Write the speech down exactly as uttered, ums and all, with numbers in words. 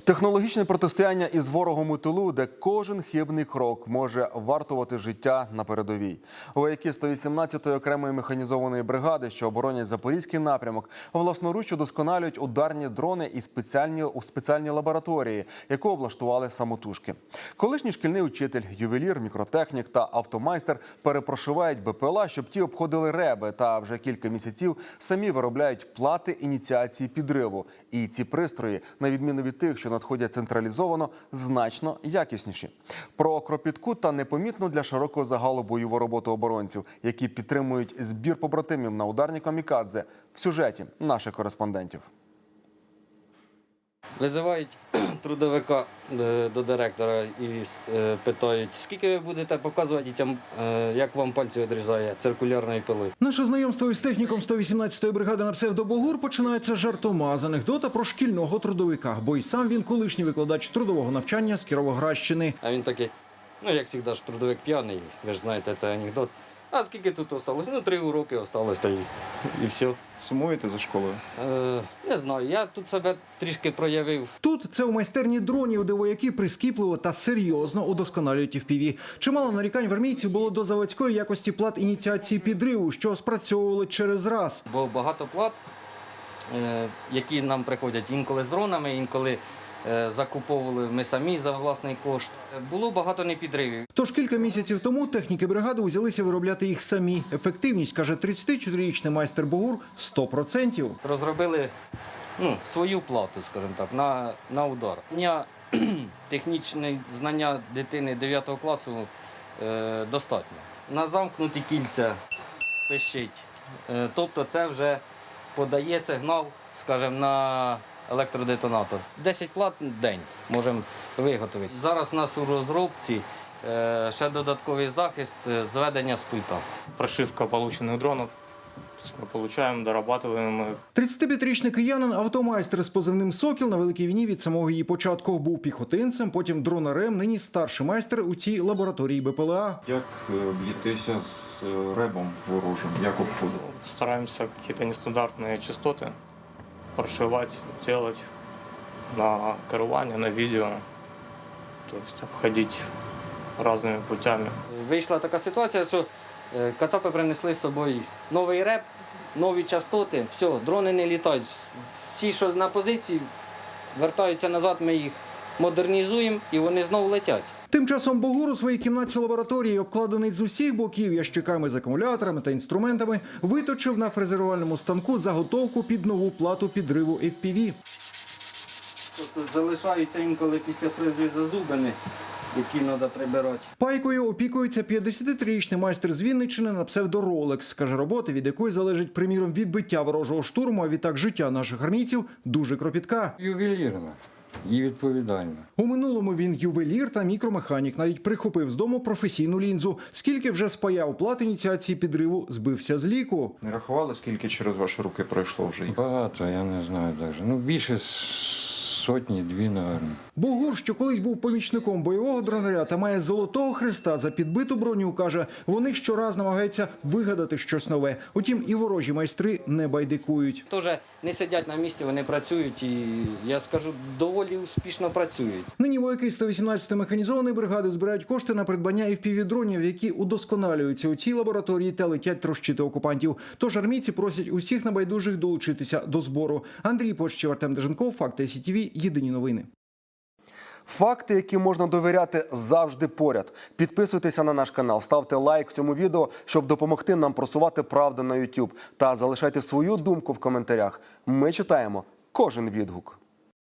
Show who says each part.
Speaker 1: Технологічне протистояння із ворогом у тилу, де кожен хибний крок може вартувати життя на передовій. Вояки сто вісімнадцятої окремої механізованої бригади, що оборонять Запорізький напрямок, власноруч удосконалюють ударні дрони і спеціальні, у спеціальній лабораторії, яку облаштували самотужки. Колишній шкільний учитель, ювелір, мікротехнік та автомайстер перепрошивають БПЛА, щоб ті обходили реби, та вже кілька місяців самі виробляють плати ініціації підриву. І ці пристрої, на відміну від тих, що надходять централізовано, значно якісніші. Про кропітку та непомітну для широкого загалу бойову роботу оборонців, які підтримують збір побратимів на ударні камікадзе, в сюжеті наших кореспондентів.
Speaker 2: Визивають трудовика до директора і питають, скільки ви будете показувати дітям, як вам пальці відрізає циркулярною пилою.
Speaker 3: Наше знайомство із техніком сто вісімнадцятої бригади на псевдо Богур починається жартома з анекдота про шкільного трудовика, бо й сам він колишній викладач трудового навчання з Кіровоградщини.
Speaker 2: А він такий, ну як завжди ж трудовик п'яний, ви ж знаєте, це анекдот. А скільки тут залишилось? Ну, три уроки залишилось, та й і все.
Speaker 4: Сумуєте за школою?
Speaker 2: Е, не знаю, я тут себе трішки проявив.
Speaker 3: Тут це у майстерні дронів, де вояки прискіпливо та серйозно удосконалюють еф пі ві. Чимало нарікань в армійців було до заводської якості плат ініціації підриву, що спрацьовували через раз.
Speaker 2: Бо багато плат, е, які нам приходять інколи з дронами, інколи закуповували ми самі за власний кошт. Було багато непідривів.
Speaker 3: Тож кілька місяців тому техніки бригади узялися виробляти їх самі. Ефективність, каже тридцятичотирирічний майстер Богур, сто відсотків.
Speaker 2: Розробили ну, свою плату, скажімо так, на, на удар. Дня технічне знання дитини дев'ятого класу е, достатньо. На замкнуті кільця пищить. Е, тобто це вже подає сигнал, скажімо, на електродетонатор. десять плат в день можемо виготовити. Зараз у нас у розробці ще додатковий захист зведення з пульта.
Speaker 5: Прошивка полученных дронов. Мы получаем, дорабатываем их.
Speaker 3: тридцятип'ятирічний киянин, автомайстер з позивним «Сокіл» на Великій війні від самого її початку був піхотинцем, потім дронарем, нині старший майстер у цій лабораторії БПЛА.
Speaker 4: Як б'єтеся з ребом ворожим? Як обходили?
Speaker 5: Стараемся какие-то нестандартные частоты прошивать, делать на керування, на відео, тобто обходити різними путями.
Speaker 2: Вийшла така ситуація, що кацапи принесли з собою новий реп, нові частоти, все, дрони не літають. Всі, що на позиції, вертаються назад, ми їх модернізуємо і вони знову летять.
Speaker 3: Тим часом Богур у своїй кімнаті лабораторії, обкладений з усіх боків ящиками з акумуляторами та інструментами, виточив на фрезерувальному станку заготовку під нову плату підриву еф пі ві.
Speaker 2: Тут залишаються інколи після фрези зазубини, які треба прибирати.
Speaker 3: Пайкою опікується п'ятдесятитрирічний майстер з Вінниччини на псевдо Ролекс. Каже, робота, від якої залежить, приміром, відбиття ворожого штурму, а відтак життя наших армійців, дуже кропітка.
Speaker 6: Ювелірна і відповідальна.
Speaker 3: У минулому він ювелір та мікромеханік. Навіть прихопив з дому професійну лінзу. Скільки вже спаяв плат ініціації підриву, збився з ліку.
Speaker 4: Не рахували, скільки через ваші руки пройшло вже їх?
Speaker 6: Багато, я не знаю навіть. Ну, більше сотні, дві, напевно.
Speaker 3: Богур, що колись був помічником бойового дронаря та має золотого хреста за підбиту броню, каже, вони щораз намагаються вигадати щось нове. Утім, і ворожі майстри не байдикують.
Speaker 2: Теж не сидять на місці, вони працюють і, я скажу, доволі успішно працюють.
Speaker 3: Нині вояки сто вісімнадцятої механізованої бригади збирають кошти на придбання еф пі ві-дронів, які удосконалюються у цій лабораторії та летять трощити окупантів. Тож армійці просять усіх небайдужих долучитися до збору. Андрій Почтів, Артем Деженков, Факти ес ті ві, єдині новини.
Speaker 1: Факти, які можна довіряти, завжди поряд. Підписуйтеся на наш канал, ставте лайк цьому відео, щоб допомогти нам просувати правду на ютуб. Та залишайте свою думку в коментарях. Ми читаємо кожен відгук.